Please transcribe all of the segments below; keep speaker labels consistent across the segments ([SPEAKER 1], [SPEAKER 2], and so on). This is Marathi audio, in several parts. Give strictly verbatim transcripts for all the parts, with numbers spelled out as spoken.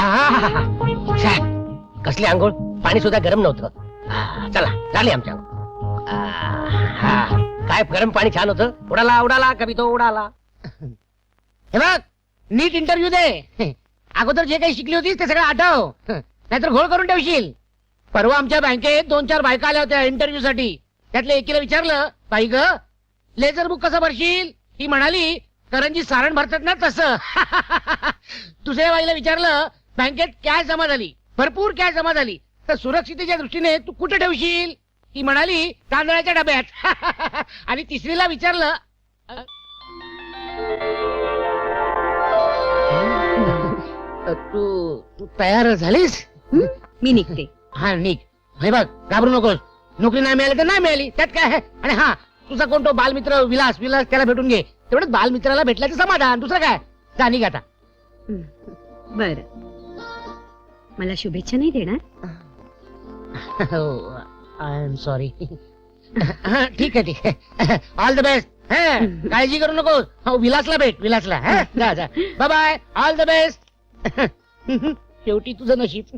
[SPEAKER 1] छे, कसली आंघोळ, पाणी सुद्धा गरम नव्हतं. आ, चला झाली आमच्या आंघोळ. आ, हा, काय गरम पाणी छान होतं. उडाला उडाला कभी तो उडाला.
[SPEAKER 2] हे बघ, नीट इंटरव्ह्यू दे. अगोदर जे काही शिकली होतीस ते सगळं आठव, नाहीतर घोळ करून ठेवशील. परवा आमच्या बँकेत दोन चार बायका आल्या होत्या इंटरव्ह्यू साठी. त्यातल्या एकीला विचारलं, बाई ग लेझर बुक कसं भरशील? ती म्हणाली, करंजी सारण भरतात ना तसं. दुसऱ्या बाईला विचारलं, बँकेत कॅश जमा झाली, भरपूर कॅश जमा झाली, तर सुरक्षितेच्या दृष्टीने तू कुठे ठेवशील? ती म्हणाली, तांदळाच्या डब्यात. आणि तिसरीला विचारलं, तू तू तयार झालीस?
[SPEAKER 3] मी निघते.
[SPEAKER 2] हा निघ. हे बघ, घाबरू नकोस. नोकरी नाही मिळाली तर नाही मिळाली, त्यात काय आहे. आणि हा, तुझा कोण तो बालमित्र विलास विलास त्याला भेटून घे. तेवढंच बालमित्राला भेटल्याचं समाधान, दुसरं काय. जा निघ आता.
[SPEAKER 3] बर, मला शुभेच्छा नाही देणार?
[SPEAKER 2] I am sorry. ठीक आहे ठीक आहे. All the best. काळजी करू नको. हो, विलासला भेट, विलासला. हा, जा जा. Bye bye. All the best. शेवटी तुझं नशीब.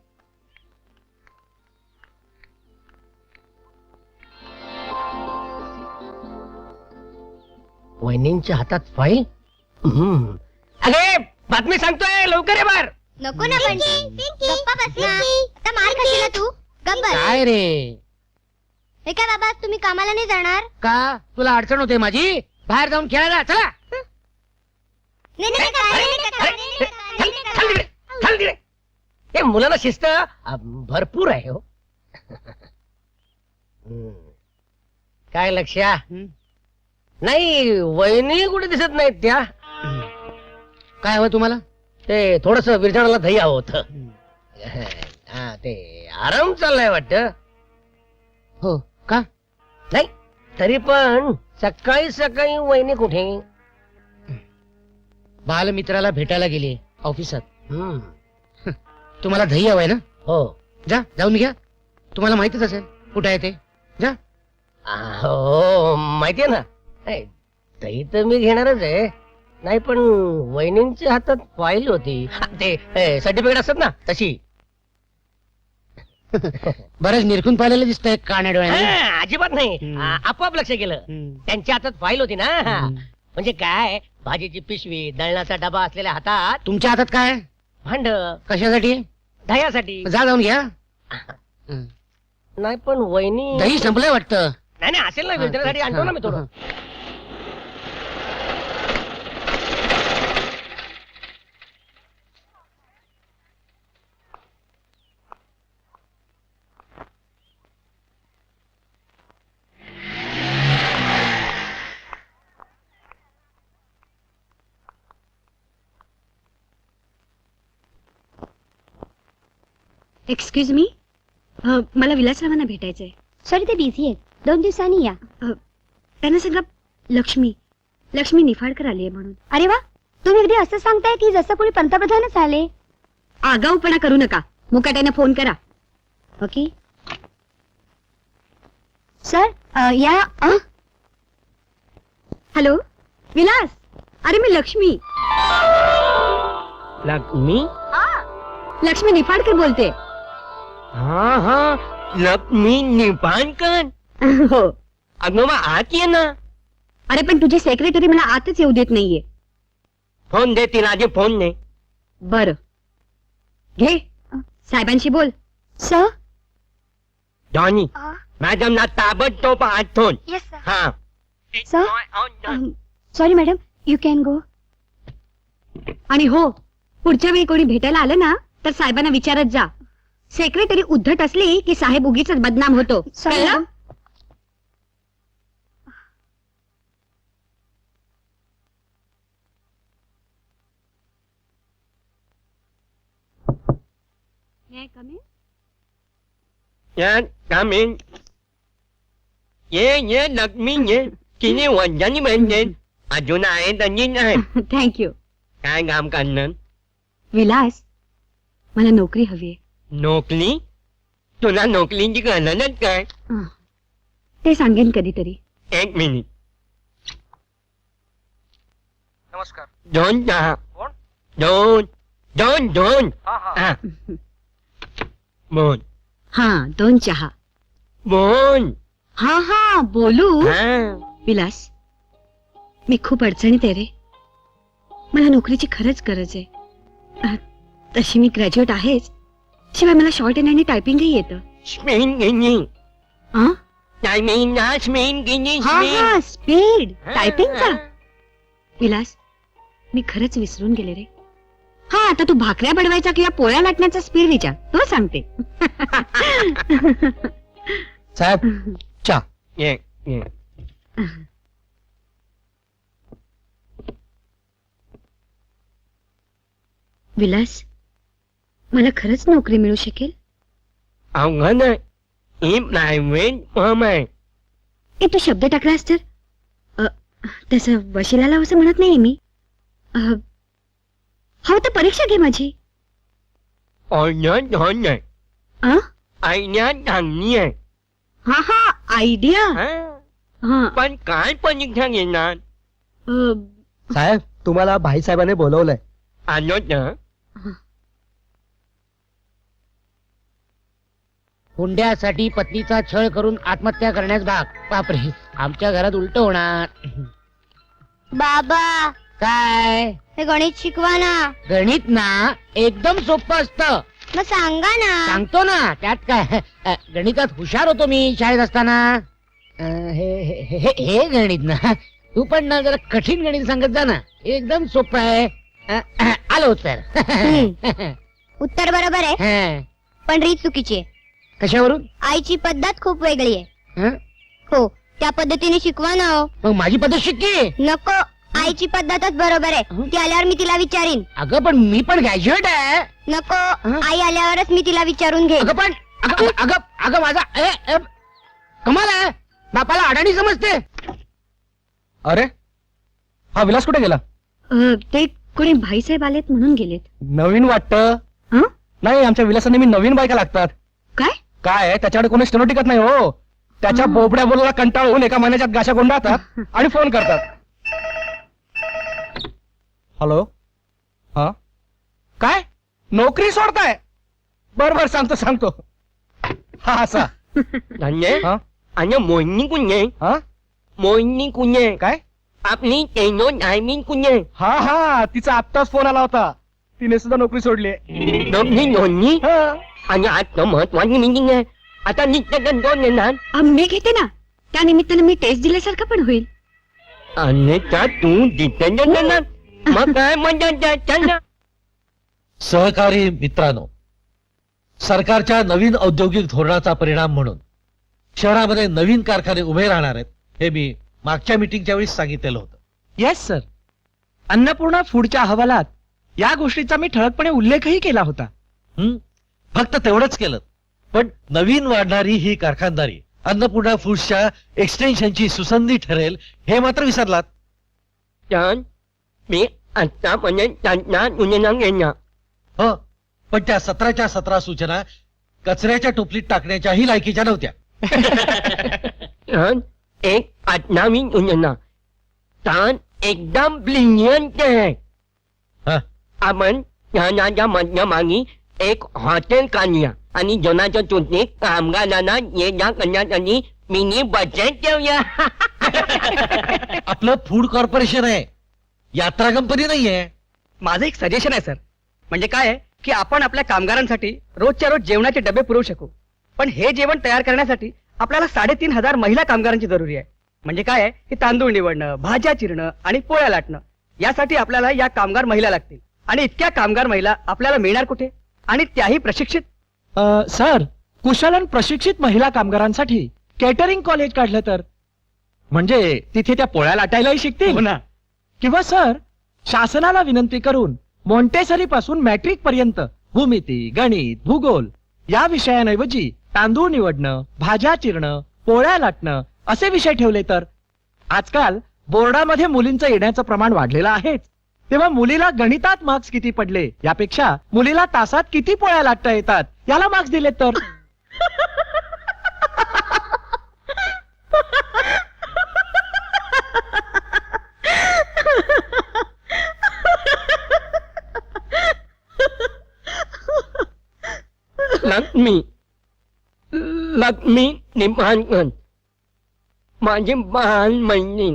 [SPEAKER 1] वहिनींच्या हातात फाईल. हम्म. अरे बातमी सांगतोय, लवकर ये बार.
[SPEAKER 4] नको ना बंटी, गप्पा बस ना. आता मार खाशील ना तू. गप्प बस.
[SPEAKER 2] काय रे?
[SPEAKER 4] हे काय बाबा, तुम्ही कामाला नाही जाणार?
[SPEAKER 2] का तुला अडचण होते माझी? बाहेर जाऊन खेळायला चला.
[SPEAKER 4] नाही नाही काय, नाही, नाही, काय, नाही, नाही, काय, नाही, नाही,
[SPEAKER 1] खाली
[SPEAKER 4] काय.
[SPEAKER 1] तिकडे, खाली तिकडे. हे मुलाला शिस्त अ, भरपूर आहे हो. हम्म. काय लक्ष्या? नाही, वहिनी कुठे दिसत नाहीत त्या.
[SPEAKER 2] काय हवं तुम्हाला?
[SPEAKER 1] ते थोडस विरजणाला दही हवं होतं. हा, ते आराम चाललाय वाटत.
[SPEAKER 2] हो का?
[SPEAKER 1] नाही तरी पण सकाळी सकाळी वहिनी कुठे?
[SPEAKER 2] बालमित्राला भेटायला गेली ऑफिसात.
[SPEAKER 1] हम्म.
[SPEAKER 2] तुम्हाला दही हवंय ना?
[SPEAKER 1] हो.
[SPEAKER 2] जा, जाऊन घ्या. तुम्हाला माहितीच असेल कुठे आहे ते. जा.
[SPEAKER 1] आ, हो माहितीये ना. नाही, दही तर मी घेणारच आहे. नाही पण वहिनींच्या हातात फाईल होती. हा, ते सर्टिफिकेट असतात ना तशी.
[SPEAKER 2] बरंच निरखून पाहिलेलं दिसतंय काण्या डोळ्याने.
[SPEAKER 1] हा, अजिबात नाही.
[SPEAKER 2] हम्म.
[SPEAKER 1] आ, आपोआप लक्ष गेलं.
[SPEAKER 2] हम्म.
[SPEAKER 1] त्यांच्या हातात फाईल होती ना.
[SPEAKER 2] हम्म.
[SPEAKER 1] म्हणजे काय, भाजीची पिशवी, दळणाचा डबा असलेल्या हातात
[SPEAKER 2] तुमच्या हातात काय?
[SPEAKER 1] भांड
[SPEAKER 2] कशासाठी?
[SPEAKER 1] दह्यासाठी.
[SPEAKER 2] जा, जाऊन घ्या. हं.
[SPEAKER 1] नाही पण वहिनी.
[SPEAKER 2] दही संपलंय वाटतं.
[SPEAKER 1] नाही नाही असेल ना, विरजणासाठी आणतो ना मी थोडं.
[SPEAKER 3] एक्सक्यूज मी, मला विलासरावांना भेटायचंय.
[SPEAKER 4] सॉरी, ते बिझी आहेत. दोन दिवसांनी या.
[SPEAKER 3] अ, त्यांना सांगा लक्ष्मी लक्ष्मी निफाडकर आली आहे म्हणून.
[SPEAKER 4] अरे वा, तुम्ही अगदी असं सांगताय की जसं कोणी पंतप्रधानच आले.
[SPEAKER 3] आगाऊपणा करू नका. मुकाट्याने फोन करा.
[SPEAKER 4] Okay sir. अ, या. अ?
[SPEAKER 3] हॅलो विलास, अरे मी लक्ष्मी
[SPEAKER 1] लक्ष्मी.
[SPEAKER 3] लक्ष्मी निफाडकर बोलते.
[SPEAKER 1] हा हा, लक्ष्मी निपाणकर.
[SPEAKER 3] हो.
[SPEAKER 1] अगं मग आत ये ना.
[SPEAKER 3] अरे पण तुझे सेक्रेटरी मला आतच येऊ देत नाहीये.
[SPEAKER 1] फोन दे तिला आधी, फोन दे.
[SPEAKER 3] बर घे, साहेबांशी बोल.
[SPEAKER 4] सर.
[SPEAKER 1] जॉनी, मॅडमला ताबडतोब आठवण.
[SPEAKER 4] Yes sir.
[SPEAKER 1] हा.
[SPEAKER 4] Sir, sorry madam, you can go.
[SPEAKER 3] आणि हो, पुढच्या वेळी कोणी भेटायला आलं ना तर साहेबांना विचारत जा. सेक्रेटरी उद्धट असली की साहेब उगीच बदनाम होतो.
[SPEAKER 4] Sorry,
[SPEAKER 3] कळलं?
[SPEAKER 4] Madam.
[SPEAKER 3] May I come in?
[SPEAKER 1] Yan, kamin. ये ये लक्ष्मी ये. किती वंजानी म्हणजे अजून आहे तंजीन आहे.
[SPEAKER 3] थँक्यू.
[SPEAKER 1] काय काम करणार?
[SPEAKER 3] विलास, मला नोकरी हवी आहे.
[SPEAKER 1] नोकरी? तुला नोकरीची गरजच काय?
[SPEAKER 3] ते सांगेन कधीतरी.
[SPEAKER 1] एक मिनिट.
[SPEAKER 5] नमस्कार.
[SPEAKER 1] दोन चहा.
[SPEAKER 5] कोण?
[SPEAKER 1] दोन दोन दोन हा. मोहन
[SPEAKER 3] हा दोन चहा.
[SPEAKER 1] मोहन
[SPEAKER 3] हा हा बोलू.
[SPEAKER 1] हा.
[SPEAKER 3] विलास, मी खूप अडचणीत आहे रे. मला नोकरीची खरंच गरज आहे. अ, तशी मी ग्रॅज्युएट आहेच, शिवाय मला शॉर्ट हँड आणि टायपिंगही येतं.
[SPEAKER 1] स्पेन गिनी
[SPEAKER 3] हा
[SPEAKER 1] टायमिंग ना स्पेन गिनी
[SPEAKER 3] हा हा स्पीड टायपिंगचा. विलास, मी खरंच विसरून गेले रे. हा आता तू भाकऱ्या बनवायचा किंवा पोळ्या लाटण्याचा स्पीड विचार, तो सांगते.
[SPEAKER 1] साहेब चा ये ये.
[SPEAKER 3] विलास, मला खरंच नोकरी मिळू शकेल?
[SPEAKER 1] अवघड आहे. ही प्रायव्हेट फर्म आहे.
[SPEAKER 3] ए तू शब्द टाकलास तर अ, तसं वशिलाला असं म्हणत नाही मी. अ, हो तर परीक्षा घे माझी.
[SPEAKER 1] ऑर्डर धन आहे.
[SPEAKER 3] अ?
[SPEAKER 1] आयडिया चांगली आहे.
[SPEAKER 3] हा हा आयडिया.
[SPEAKER 1] हा.
[SPEAKER 3] हा
[SPEAKER 1] पण काय परीक्षा घेणार?
[SPEAKER 3] अ,
[SPEAKER 5] साहेब, तुम्हाला भाईसाहेबांनी बोलवलंय.
[SPEAKER 1] आलो तर
[SPEAKER 2] हुंड्यासाठी पत्नीचा छळ करून आत्महत्या करण्यास भाग. बापरे, आमच्या घरात उलट होणार.
[SPEAKER 4] बाबा
[SPEAKER 2] काय
[SPEAKER 4] हे गणित शिकवा ना.
[SPEAKER 2] गणित ना एकदम सोपं असतं.
[SPEAKER 4] मग सांगा ना.
[SPEAKER 2] सांगतो ना, त्यात काय. अ, गणितात हुशार होतो मी शाळेत असताना. अ, हे हे- हे हे गणित ना, तू पण ना जरा कठीण गणित सांगत जा ना. एकदम सोपं आहे. अ, अ, आलं उत्तर.
[SPEAKER 4] उत्तर बरोबर आहे,
[SPEAKER 2] हं,
[SPEAKER 4] पण रीत चुकीची आहे.
[SPEAKER 2] कशावरून?
[SPEAKER 4] आईची पद्धत खूप वेगळी आहे.
[SPEAKER 2] हं?
[SPEAKER 4] हो, त्या पद्धतीने शिकवा ना हो.
[SPEAKER 2] मग माझी पद्धत शिक्की.
[SPEAKER 4] नको, आईची पद्धतच बरोबर आहे. ती आल्यावर मी तिला विचारीन.
[SPEAKER 2] अगं पण मी पण ग्रॅज्युएट आहे.
[SPEAKER 4] नको,
[SPEAKER 2] हं?
[SPEAKER 4] आई आल्यावरच मी तिला विचारून घे.
[SPEAKER 2] अगं पण अगं अगं अगं माझा ए, ए, कमाल आहे. बापाला अडाणी समजते.
[SPEAKER 5] अरे, हा विलास कुठे गेला?
[SPEAKER 3] अ, ते कोणी भाईसाहेब आलेत म्हणून गेलेत.
[SPEAKER 5] नवीन वाटतं.
[SPEAKER 3] हं?
[SPEAKER 5] नाही, आमच्या विलासाने मी नवीन बायका लागतात.
[SPEAKER 3] काय?
[SPEAKER 5] काय आहे, त्याच्याकडे कोणी स्टेनो टिकत नाही हो. त्याच्या
[SPEAKER 3] हं.
[SPEAKER 5] बोबड्या बोलायला कंटाळून एका महिन्याच्यात गाशा गोंडाळतात आणि फोन करतात. हॅलो, हा काय नोकरी सोडताय? बर बर सांगतो सांगतो. हा असा
[SPEAKER 1] धन्य
[SPEAKER 5] हा
[SPEAKER 1] आणि मोहिनी कुंजे
[SPEAKER 5] हा
[SPEAKER 1] मोहिनी कुंजे
[SPEAKER 5] काय
[SPEAKER 1] आपली तेनो टायमिंग कुंजे
[SPEAKER 5] हा हा तिचा आत्ताच फोन आला होता. तिने सुद्धा नोकरी सोडली.
[SPEAKER 1] दोन्ही दोन्ही
[SPEAKER 5] हा
[SPEAKER 1] आणि आता महत्वाची मीटिंग आहे. आता नित्य दोन येणार
[SPEAKER 3] अ, मी घेते ना. त्या निमित्तानं मी टेस्ट दिल्यासारखं पण होईल.
[SPEAKER 1] आणि त्या तू तिथे येणार. मग काय म्हणजे त्यांना
[SPEAKER 6] सहकारी मित्रांनो, सरकारच्या नवीन औद्योगिक धोरणाचा परिणाम म्हणून शहरामध्ये नवीन कारखाने उभे राहणार आहेत, हे मी मागच्या मीटिंगच्या वेळी सांगितलेलं होतं.
[SPEAKER 5] Yes sir. अन्नपूर्णा फूडच्या अहवालात या गोष्टीचा मी ठळकपणे उल्लेखही केला होता.
[SPEAKER 6] हं? फक्त तेवढंच केलं, पण नवीन वाढणारी ही कारखानदारी अन्नपूर्णा फूड्सच्या एक्सटेन्शनची सुसंधी ठरेल हे मात्र विसरलात.
[SPEAKER 1] छान. मी आतापर्यंत त्यांना गुन्हेगार घेणार.
[SPEAKER 6] हो, पण त्या सतराच्या सतरा सूचना कचऱ्याच्या टोपलीत टाकण्याच्याही लायकीच्या नव्हत्या.
[SPEAKER 1] छान. एक आठनावी गुन्हेगार छान एकदम ब्रिलियंट आहे.
[SPEAKER 6] हा,
[SPEAKER 1] आपण ज्ञानाच्या माध्यमाने एक हॉटेल काढूया आणि जनाच्या तुलनेत कामगारांना ये जा करण्यासाठी मिनी बजेट ठेवूया.
[SPEAKER 6] आपलं फूड कॉर्पोरेशन आहे, यात्रा कंपनी नाहीये.
[SPEAKER 5] माझं एक सजेशन आहे सर. म्हणजे काय आहे की आपण आपल्या कामगारांसाठी रोजच्या रोज जेवणाचे डबे पुरवू शकू, पण हे जेवण तयार करण्यासाठी आपल्याला साडेतीन हजार महिला कामगारांची जरुरी आहे. म्हणजे काय आहे की तांदूळ निवडणं, भाज्या चिरणं आणि पोळ्या लाटणं यासाठी आपल्याला या कामगार महिला लागतील. आणि इतक्या कामगार महिला आपल्याला मिळणार कुठे, आणि त्याही प्रशिक्षित? सर, कुशल आणि प्रशिक्षित महिला कामगारांसाठी केटरिंग कॉलेज काढलं तर म्हणजे तिथे त्या पोळ्या लाटायलाही शिकतील ना. किंवा सर, शासनाला विनंती करून मॉन्टेसरी पासून मॅट्रिक पर्यंत भूमिती, गणित, भूगोल या विषयांऐवजी तांदूळ निवडणं, भाज्या चिरणं, पोळ्या लाटणं असे विषय ठेवले तर. आजकाल बोर्डामध्ये मुलींचं येण्याचं प्रमाण वाढलेलं आहेच. तेव्हा मुलीला गणितात मार्क्स किती पडले यापेक्षा मुलीला तासात किती पोळ्या लाटता येतात याला मार्क्स दिले तर.
[SPEAKER 1] लक्ष्मी लक्ष्मी निंबाळकर माझी लहान मैत्रीण.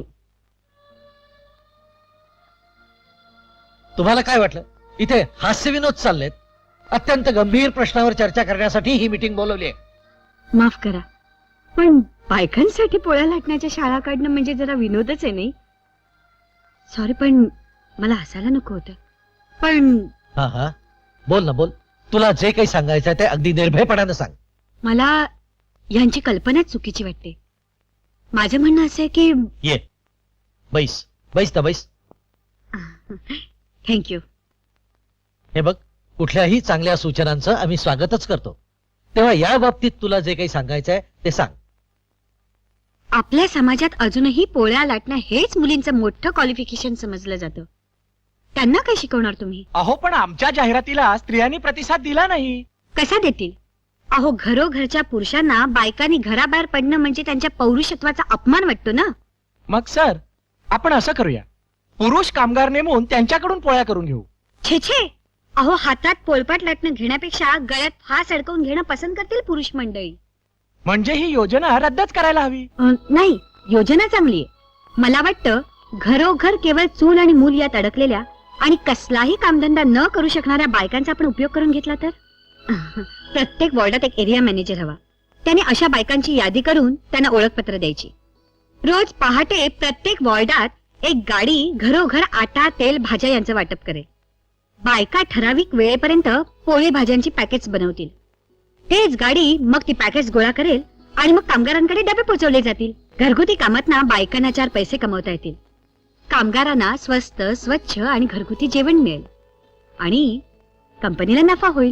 [SPEAKER 6] तुम्हाला काय वाटलं इथे हास्यविनोद चाललेत? अत्यंत गंभीर प्रश्नावर चर्चा करण्यासाठी ही मीटिंग बोलवली आहे.
[SPEAKER 3] माफ करा, पण बायकांसाठी पोळ्या लाटण्याच्या शाळा काढणं म्हणजे जरा विनोदच आहे नाही. सॉरी, पण मला हसायला नको होतं. पण
[SPEAKER 6] हा हा बोल ना बोल. तुला जे काही सांगायचं आहे ते अगदी निर्भयपणानं सांग.
[SPEAKER 3] मला यांची कल्पनाच चुकीची वाटते. माझं म्हणणं असं आहे की
[SPEAKER 6] ये बैस बैस ना बैस.
[SPEAKER 3] थँक्यू.
[SPEAKER 6] हे बघ, कुठल्याही चांगल्या सूचनांचं आम्ही स्वागतच करतो. तेव्हा या बाबतीत तुला जे काही सांगायचं आहे ते सांग.
[SPEAKER 3] आपल्या समाजात अजूनही पोळ्या लाटणं हेच मुलींचं मोठं क्वालिफिकेशन समजलं जातं. त्यांना काय शिकवणार तुम्ही?
[SPEAKER 7] अहो पण आमच्या जाहिरातीला स्त्रियांनी प्रतिसाद दिला नाही.
[SPEAKER 3] कसा देतील? अहो, घरोघरच्या पुरुषांना बायकांनी घराबाहेर पडणं म्हणजे त्यांच्या पौरुषत्वाचा अपमान वाटतो ना.
[SPEAKER 7] मग सर, आपण असं करूया, पुरुष कामगार नेमून त्यांच्याकडून पोळ्या करून घेऊ.
[SPEAKER 3] छे छे, अहो, हातात पोलपाट लाटणं घेण्यापेक्षा गळ्यात फास अडकवून घेणं पसंत करतील पुरुष मंडळी.
[SPEAKER 7] म्हणजे ही योजना रद्दच करायला हवी.
[SPEAKER 3] अं, नाही, योजना चांगली आहे. मला वाटतं घरोघर केवळ चूल आणि मूल यात अडकलेल्या आणि कसलाही कामधंदा न करू शकणाऱ्या बायकांचा आपण उपयोग करून घेतला तर प्रत्येक वॉर्डात एक एरिया मॅनेजर हवा. त्याने अशा बायकांची यादी करून त्यांना ओळखपत्र द्यायची. रोज पहाटे प्रत्येक वॉर्डात एक गाडी घरोघर आटा, तेल, भाज्या यांचं वाटप करेल. बायका ठराविक वेळेपर्यंत पोळी भाज्यांची पॅकेट्स बनवतील. तेच गाडी मग ती पॅकेट्स गोळा करेल आणि मग कामगारांकडे डबे पोहोचवले जातील. घरगुती कामातना बायकांना चार पैसे कमवता येतील. कामगारांना स्वस्त, स्वच्छ आणि घरगुती जेवण मिळेल आणि कंपनीला नफा होईल.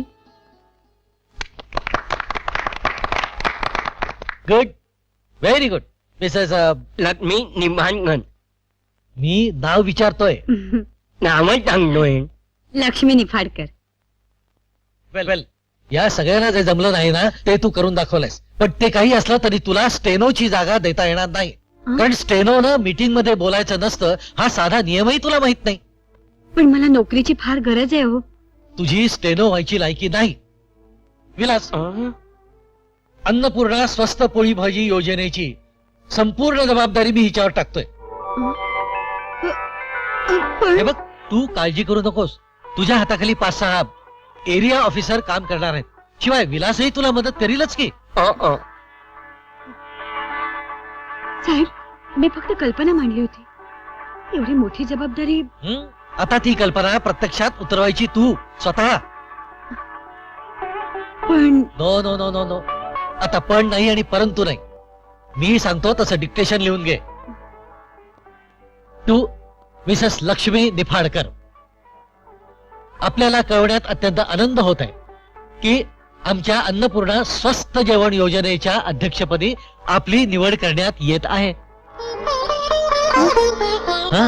[SPEAKER 6] Good, very good Mrs.
[SPEAKER 1] Lakshmi Nimbalkar.
[SPEAKER 6] मी नाव विचारतोय.
[SPEAKER 1] नावच सांगतोय.
[SPEAKER 3] लक्ष्मी निफाडकर.
[SPEAKER 6] वेल वेल, या सगळ्यांना जे जमलं नाही ना ते तू करून दाखवलंयस. पण ते काही असलं तरी तुला स्टेनोची जागा देता येणार नाही. कारण स्टेनोनं मीटिंग मध्ये बोलायचं नसतं हा साधा नियमही तुला माहित नाही.
[SPEAKER 3] पण मला नोकरीची फार गरज आहे हो.
[SPEAKER 6] तुझी स्टेनो व्हायची लायकी नाही. विलास, अन्नपूर्णा स्वस्त पोळी भाजी योजनेची संपूर्ण जबाबदारी मी हिच्यावर टाकतोय.
[SPEAKER 3] पण
[SPEAKER 6] हे बघ, तू काळजी करू नकोस. तुझ्या हाताखाली पाच सहा एरिया ऑफिसर काम करणार आहेत. शिवाय विलासही तुला मदत करीलच की.
[SPEAKER 3] साहेब, मी फक्त कल्पना मांडली होती. एवढी मोठी जबाबदारी.
[SPEAKER 6] हं? आता ती कल्पना प्रत्यक्षात उतरवायची तू स्वतः.
[SPEAKER 3] पण
[SPEAKER 6] no no no no no आता पण नाही आणि परंतु नाही. मी सांगतो तसं डिक्टेशन लिहून घे. तू मिसेस लक्ष्मी निफाडकर, आपल्याला कळवण्यात अत्यंत आनंद होत आहे की आमच्या अन्नपूर्णा स्वस्त जेवण योजनेच्या अध्यक्षपदी आपली निवड करण्यात येत आहे. हं?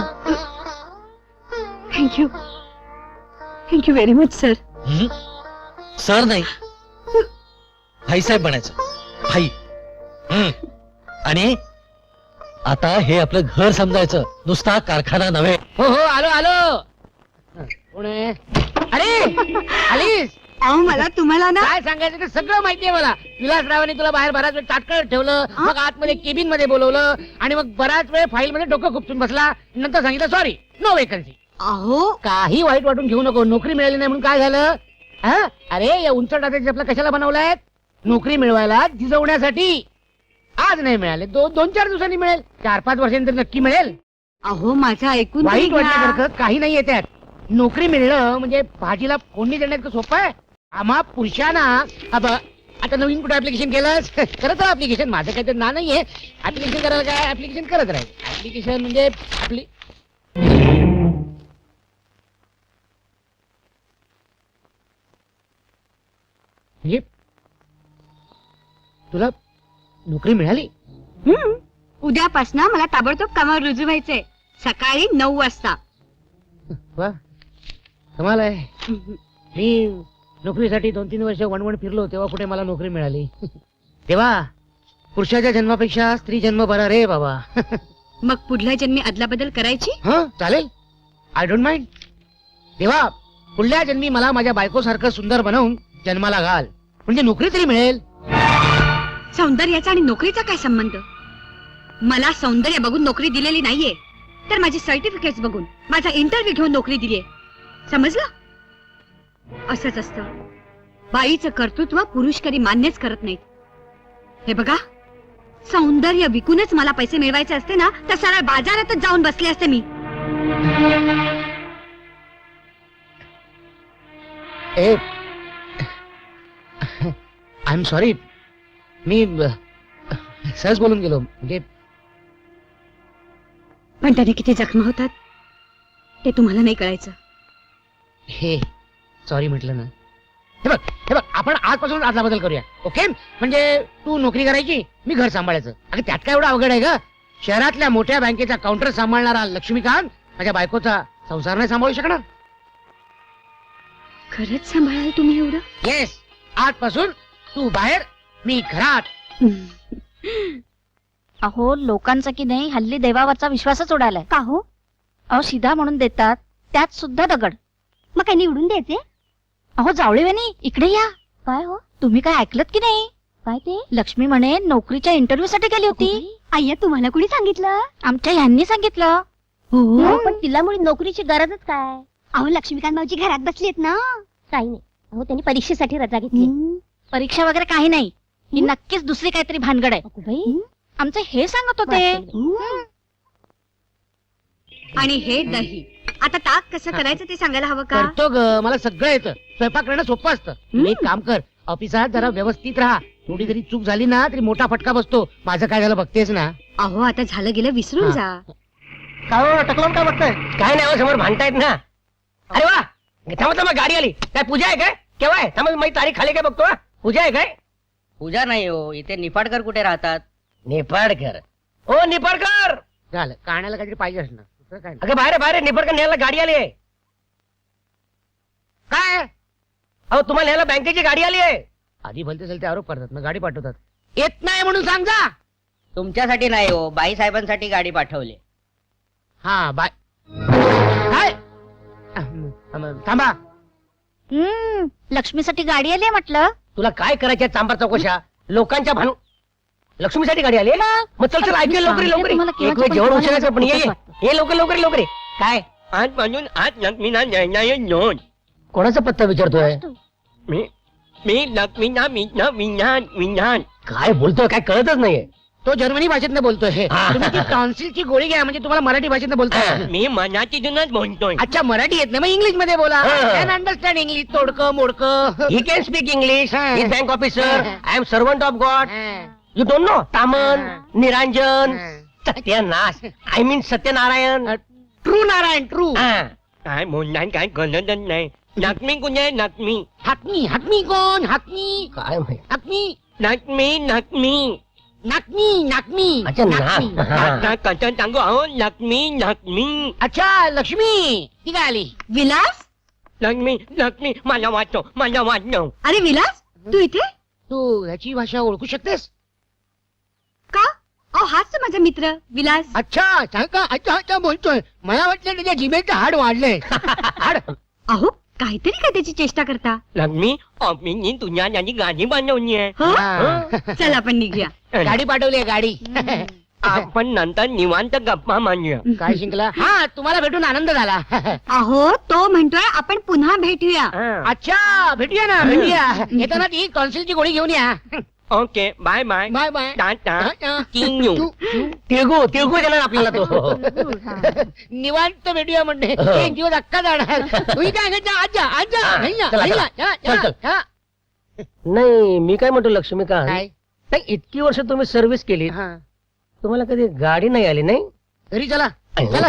[SPEAKER 3] Thank you thank you very much sir.
[SPEAKER 6] हं? सर नाही, भाईसाहेब म्हणायचं. भाई. हं. आणि आता हे आपलं घर समजायचं, नुसता कारखाना नव्हे.
[SPEAKER 2] हो हो, आलो आलो. कोण आहे? अरे आलीस?
[SPEAKER 3] अहो, मला तुम्हाला ना
[SPEAKER 2] काय सांगायचं ते सगळं माहितीये मला. विलासरावांनी तुला बाहेर बराच वेळ ताटकळत ठेवलं, मग आतमध्ये केबिन मध्ये बोलवलं आणि मग बराच वेळ फाईल मध्ये डोकं खुपसून बसला. नंतर सांगितलं सॉरी, नो वेकन्सी.
[SPEAKER 3] अहो
[SPEAKER 2] काही वाईट वाटून घेऊ नको. नोकरी मिळाली नाही म्हणून काय झालं? हा? अरे या उंच टाकायचे आपला कशाला बनवलाय? नोकरी मिळवायला झिजवण्यासाठी. आज नाही मिळाले, दो, दोन चार दिवसांनी मिळेल. चार पाच वर्षांनी तर नक्की मिळेल.
[SPEAKER 3] अहो माझं ऐकून
[SPEAKER 2] वाईट
[SPEAKER 3] तरी घ्या.
[SPEAKER 2] वाटण्यासारखं काही नाही त्यात. नोकरी मिळणं म्हणजे भाजीला फोडणी देण्याचं सोपं आहे. आम्हा पुरुषांना अब आता नवीन कुठे ऍप्लिकेशन केलंस? करत राहा ऍप्लिकेशन. माझं काही तर ना नाहीये. ऍप्लिकेशन करायला काय, ऍप्लिकेशन करत राहील. ऍप्लिकेशन म्हणजे आपली म्हणजे तुला नोकरी मिळाली?
[SPEAKER 3] हं. उद्यापासनं मला ताबडतोब कामावर रुजू व्हायचंय. सकाळी नऊ वाजता.
[SPEAKER 2] वा, कमाल आहे. मी नोकरीसाठी दोन तीन वर्ष वणवण फिरलो तेव्हा कुठे मला नोकरी मिळाली. तेव्हा पुरुषाच्या जन्मापेक्षा स्त्री जन्म बरा रे बाबा.
[SPEAKER 3] मग पुढल्या जन्मी अदलाबदल करायची?
[SPEAKER 2] हा चालेल, आय डोंट माइंड. तेव्हा पुढल्या जन्मी मला माझ्या बायकोसारखं सुंदर बनवून जन्माला घाल. म्हणजे नोकरी तरी मिळेल.
[SPEAKER 3] सौंदर्याचा आणि नोकरीचा काय संबंध? मला सौंदर्य बघून नोकरी दिलेली नाहीये, तर माझी सर्टिफिकेट बघून, माझा इंटरव्ह्यू घेऊन नोकरी दिलीये. समजलं? असंच असतं. बाईचं कर्तृत्व पुरुष कधी मान्यच करत नाहीत. हे बघा, सौंदर्य विकूनच मला पैसे मिळवायचे असते ना, तर सरळ बाजारातच जाऊन बसले असते मी.
[SPEAKER 2] ए आय एम सॉरी, मी अ, सहज बोलून गेलो. म्हणजे
[SPEAKER 3] पण त्याने किती जखमा होतात ते तुम्हाला नाही कळायचं.
[SPEAKER 2] हे सॉरी म्हटलं ना. हे बघ हे बघ आपण आजपासून आदला बदल करूया, ओके? म्हणजे तू नोकरी करायची, मी घर सांभाळायचं. अगं त्यात काय एवढं अवघड आहे का? शहरातल्या मोठ्या बँकेचा काउंटर सांभाळणारा लक्ष्मीकांत माझ्या बायकोचा संसार नाही सांभाळू शकणार.
[SPEAKER 3] खरंच सांभाळाल तुम्ही एवढं?
[SPEAKER 2] येस, आजपासून तू बाहेर, मी घरात.
[SPEAKER 4] अहो लोकांचा की नाही हल्ली देवावरचा विश्वासच उडालाय. का हो? अहो शिधा म्हणून देतात, त्यात सुद्धा दगड. मग काय निवडून द्यायचे? अहो जावळेवानी इकडे या. काय हो, तुम्ही काय ऐकलत की नाही? काय ते? लक्ष्मी म्हणे नोकरीच्या इंटरव्ह्यू साठी गेली होती.
[SPEAKER 3] आय्या, तुम्हाला कुणी सांगितलं?
[SPEAKER 4] आमच्या ह्यांनी सांगितलं.
[SPEAKER 3] हो,
[SPEAKER 4] पण तिला मुळे नोकरीची गरजच काय?
[SPEAKER 3] अहो लक्ष्मीकांत मावजी घरात बसलीत ना.
[SPEAKER 4] काही नाही. अहो त्यांनी परीक्षेसाठी रजा घेतली. परीक्षा वगैरे काही नाही, ही नक्कीच दुसरी काहीतरी भानगड आहे. आमचे हे सांगत होते.
[SPEAKER 3] आणि हे दही, आता ताक कसं करायचं ते सांगायला हवं का?
[SPEAKER 2] करतो ग, मला सगळं येतं. स्वयंपाक करणं सोपं असतं.
[SPEAKER 3] हम्म.
[SPEAKER 2] एक काम कर, ऑफिसात जरा व्यवस्थित राहा. थोडी जरी चूक झाली ना तरी मोठा फटका बसतो. माझं काय झालं बघतेस ना.
[SPEAKER 3] अहो आता झालं गेलं विसरून
[SPEAKER 2] हा.
[SPEAKER 3] जा.
[SPEAKER 5] काय टकलावून काय बघताय?
[SPEAKER 1] काय नाही हो, समोर भांडतायत ना. अरे वा, थांबा थांबा, गाडी आली. काय पूजा आहे काय? केव्हा आहे? थांबा, माझी तारीख खाली काय बघतो हा. पूजा आहे काय?
[SPEAKER 5] पूजा नाही हो, इथे निफाडकर कुठे राहतात?
[SPEAKER 1] निपाडकर. ओ निपाडकर,
[SPEAKER 2] झालं, कानाला काहीतरी पाहिजे असणार. दुसरं काय नाही.
[SPEAKER 1] अगं बाहेर आहे, बाहेर आहे. निपाडकर न्यायला गाडी आली आहे.
[SPEAKER 2] काय
[SPEAKER 1] अहो तुम्हाला न्यायला बँकेची गाडी आली आहे.
[SPEAKER 2] आधी भलते चलते आरोप करतात, मग गाडी पाठवतात. येत नाही म्हणून सांग जा.
[SPEAKER 5] तुमच्यासाठी नाही हो, बाई साहेबांसाठी गाडी पाठवली.
[SPEAKER 2] हा बाय. काय अहं, अहं, थांबा.
[SPEAKER 4] हम्म लक्ष्मीसाठी गाडी आली म्हटलं.
[SPEAKER 1] तुला काय करायच्या चांबार चौकशा लोकांच्या भानू. लक्ष्मीसाठी गाडी आली आहे? मग चल चल ऐकूया लवकर लवकर.
[SPEAKER 4] तुम्हाला
[SPEAKER 1] एक
[SPEAKER 4] केव्हाचं
[SPEAKER 1] वेळ
[SPEAKER 4] पण
[SPEAKER 1] जेवण
[SPEAKER 4] तुम्हाला
[SPEAKER 1] उशिराचं पण ये ये.
[SPEAKER 4] वाटतं.
[SPEAKER 1] ये लवकर लवकर लवकर ये. काय
[SPEAKER 8] आज म्हणून आज लक्ष्मीना न्याय नोंद.
[SPEAKER 1] कोणाचा पत्ता विचारतोय?
[SPEAKER 8] मी मी लक्ष्मीना विना विज्ञान विज्ञान.
[SPEAKER 1] काय बोलतोय काय कळतच नाहीये.
[SPEAKER 2] तो जर्मनी भाषेतनं बोलतोय.
[SPEAKER 1] हा.
[SPEAKER 2] तुम्ही ती टॉन्सिलची गोळी घ्या, म्हणजे तुम्हाला मराठी भाषेतनं बोलतोय.
[SPEAKER 8] मी मनातीतूनच बोलतोय.
[SPEAKER 2] अच्छा, मराठी येत नाही मग इंग्लिश मध्ये बोला.
[SPEAKER 1] हा.
[SPEAKER 2] Can understand English. तोडकं मोडकं.
[SPEAKER 1] He can speak English.
[SPEAKER 2] हा.
[SPEAKER 1] He bank officer. I am servant of God.
[SPEAKER 2] हा.
[SPEAKER 1] यू डोंट नो तामन,
[SPEAKER 2] हा.
[SPEAKER 1] निरांजन,
[SPEAKER 2] हा.
[SPEAKER 1] सत्यनाश, I mean Satyanarayan.
[SPEAKER 2] True Narayan true.
[SPEAKER 1] हा.
[SPEAKER 8] काय बोलणार काय कळतच नाही. लक्ष्मी कुठे लक्ष्मी?
[SPEAKER 2] हातमी हातमी कोण? हातमी
[SPEAKER 1] काय माहित.
[SPEAKER 2] हातमी
[SPEAKER 8] लक्ष्मी लक्ष्मी.
[SPEAKER 2] नाकमी नाकमी
[SPEAKER 1] अच्छा, नाक.
[SPEAKER 2] नाकमी.
[SPEAKER 1] हा.
[SPEAKER 8] आता कसं सांगू अहो लक्ष्मी लक्ष्मी
[SPEAKER 2] अच्छा लक्ष्मी ती काय आली?
[SPEAKER 3] विलास,
[SPEAKER 8] लक्ष्मी लक्ष्मी मला वाटतो मला वाटतो.
[SPEAKER 3] अरे विलास, तू इथे
[SPEAKER 2] तू ह्याची भाषा ओळखू शकतेस?
[SPEAKER 3] का? अहो हाच तर माझा मित्र विलास.
[SPEAKER 2] अच्छा सांग का? अच्छा अच्छा बोलतोय. मला वाटलं त्याच्या जिभेचं हाड वाढलंय. हाड.
[SPEAKER 3] अहो काहीतरी काय त्याची चेष्टा करता.
[SPEAKER 8] लक्ष्मी ऑफिसनी तुझ्यासाठी गाडी बनवली आहे.
[SPEAKER 3] हो?
[SPEAKER 2] हा.
[SPEAKER 3] चल आपण निघूया.
[SPEAKER 2] गाडी पाठवली आहे गाडी.
[SPEAKER 8] आपण नंतर निवांत गप्पा मांडूया.
[SPEAKER 2] काय शिंकला? हा तुम्हाला भेटून आनंद झाला.
[SPEAKER 3] अहो तो म्हणतोय आपण पुन्हा भेटूया.
[SPEAKER 8] हा.
[SPEAKER 2] अच्छा भेटूया ना भेटूया. येताना ती टॉन्सिलची गोळी घेऊन या.
[SPEAKER 8] Okay bye bye.
[SPEAKER 2] Bye bye.
[SPEAKER 8] टाटा किंग यू.
[SPEAKER 1] तिळगू तिळगू देणार आपल्याला तो.
[SPEAKER 2] निवांत भेटूया म्हणते. एक दिवस अक्का जाणार. तुम्ही काय सांगायचं? आजा आजा
[SPEAKER 1] हा,
[SPEAKER 2] हैया,
[SPEAKER 1] चला,
[SPEAKER 2] हैया,
[SPEAKER 1] चला.
[SPEAKER 2] या,
[SPEAKER 1] चल,
[SPEAKER 2] या,
[SPEAKER 1] चल.
[SPEAKER 2] या.
[SPEAKER 1] नाही मी काय म्हणतो लक्ष्मीकांत,
[SPEAKER 2] काय?
[SPEAKER 1] नाही इतकी वर्ष तुम्ही सर्व्हिस केली,
[SPEAKER 2] हा.
[SPEAKER 1] तुम्हाला कधी गाडी नाही आली नाही?
[SPEAKER 2] घरी चला चला.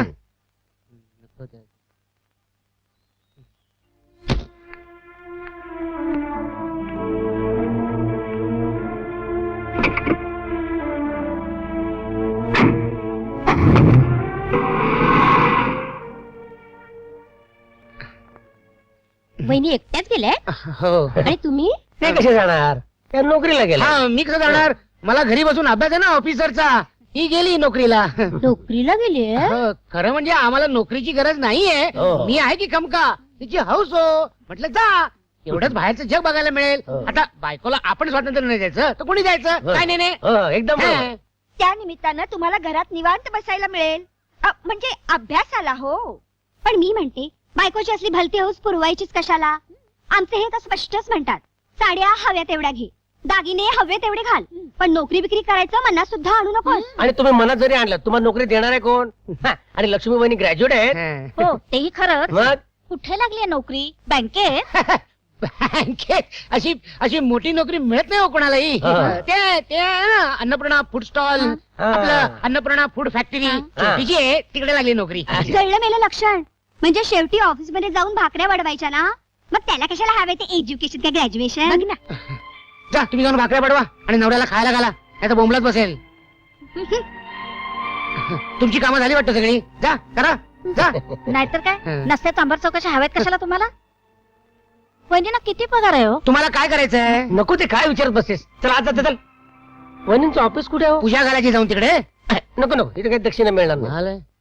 [SPEAKER 4] वहिनी एकट्याच गेल्या
[SPEAKER 2] हो.
[SPEAKER 4] आणि तुम्ही?
[SPEAKER 1] ते कसे जाणार? त्या नोकरीला गेला.
[SPEAKER 2] हा मी कसं जाणार? मला घरी बसून अभ्यास आहे ना ऑफिसरचा. ही गेली नोकरीला.
[SPEAKER 4] नोकरीला गेली?
[SPEAKER 2] हो, खरं म्हणजे आम्हाला नोकरीची गरज नाहीये.
[SPEAKER 1] हो.
[SPEAKER 2] मी आहे की खमका. तिची हौस हो. म्हटलं जा. एवढंच बाहेरचं जग बघायला मिळेल.
[SPEAKER 1] हो.
[SPEAKER 2] आता बायकोला आपण स्वातंत्र्य नाही द्यायचं तर कोणी द्यायचं?
[SPEAKER 1] हो.
[SPEAKER 2] काय नाही नाही.
[SPEAKER 1] हो, एकदम बरोबर.
[SPEAKER 2] हा.
[SPEAKER 3] त्या निमित्तानं तुम्हाला घरात निवांत बसायला मिळेल. अ, म्हणजे अभ्यासाला हो. पण मी म्हणते बायकोची असली भलती हौस पुरवायचीच कशाला? आमचे हे तर स्पष्टच म्हणतात, साड्या हव्या तेवढ्या घे, दागिने हवे तेवढे घाल, पण नोकरी बिक्री करायचं मनात सुद्धा आणू नकोस.
[SPEAKER 1] आणि तुम्ही मनात जरी आणलं तुम्हाला नोकरी देणार आहे कोण? हा, आणि लक्ष्मी बहिणी ग्रॅज्युएट आहेत.
[SPEAKER 2] हा.
[SPEAKER 4] हो तेही खरं.
[SPEAKER 1] मग
[SPEAKER 4] कुठे लागली नोकरी? बँकेत?
[SPEAKER 2] बँकेत अशी अशी मोठी नोकरी मिळत नाही हो कोणालाही.
[SPEAKER 1] हा.
[SPEAKER 2] ते ते आहे ना, अन्नपूर्णा फूड स्टॉल,
[SPEAKER 1] हा.
[SPEAKER 2] आपलं अन्नपूर्णा फूड फॅक्टरी
[SPEAKER 4] हा.
[SPEAKER 2] छोटीशी आहे, तिकडे लागली नोकरी.
[SPEAKER 3] कळलं मेलं लक्षण. म्हणजे शेवटी ऑफिस मध्ये जाऊन भाकऱ्या वाढवायच्या ना, मग त्याला कशाला हवे ते एज्युकेशन का ग्रॅज्युएशन?
[SPEAKER 2] जा तुम्ही जाऊन भाकऱ्या पाडवा आणि नवऱ्याला खायला घाला, नाही तर बोंबलत बसेल. तुमची कामं झाली वाटतं सगळी. जा करा जा.
[SPEAKER 4] नाहीतर काय?
[SPEAKER 2] हा.
[SPEAKER 4] नसत्या चांभार चौकशा हव्यात कशाला तुम्हाला? वहिनींना किती पगार आहे हो?
[SPEAKER 2] तुम्हाला काय करायचंय?
[SPEAKER 1] नको ते काय विचारत बसतेस. चल आज जाते चल. वहिनींचं ऑफिस कुठे आहे हो?
[SPEAKER 2] पूजा घालायची जाऊन तिकडे.
[SPEAKER 1] नको नको इथे काही दक्षिणा मिळणार नाही.
[SPEAKER 2] झालं.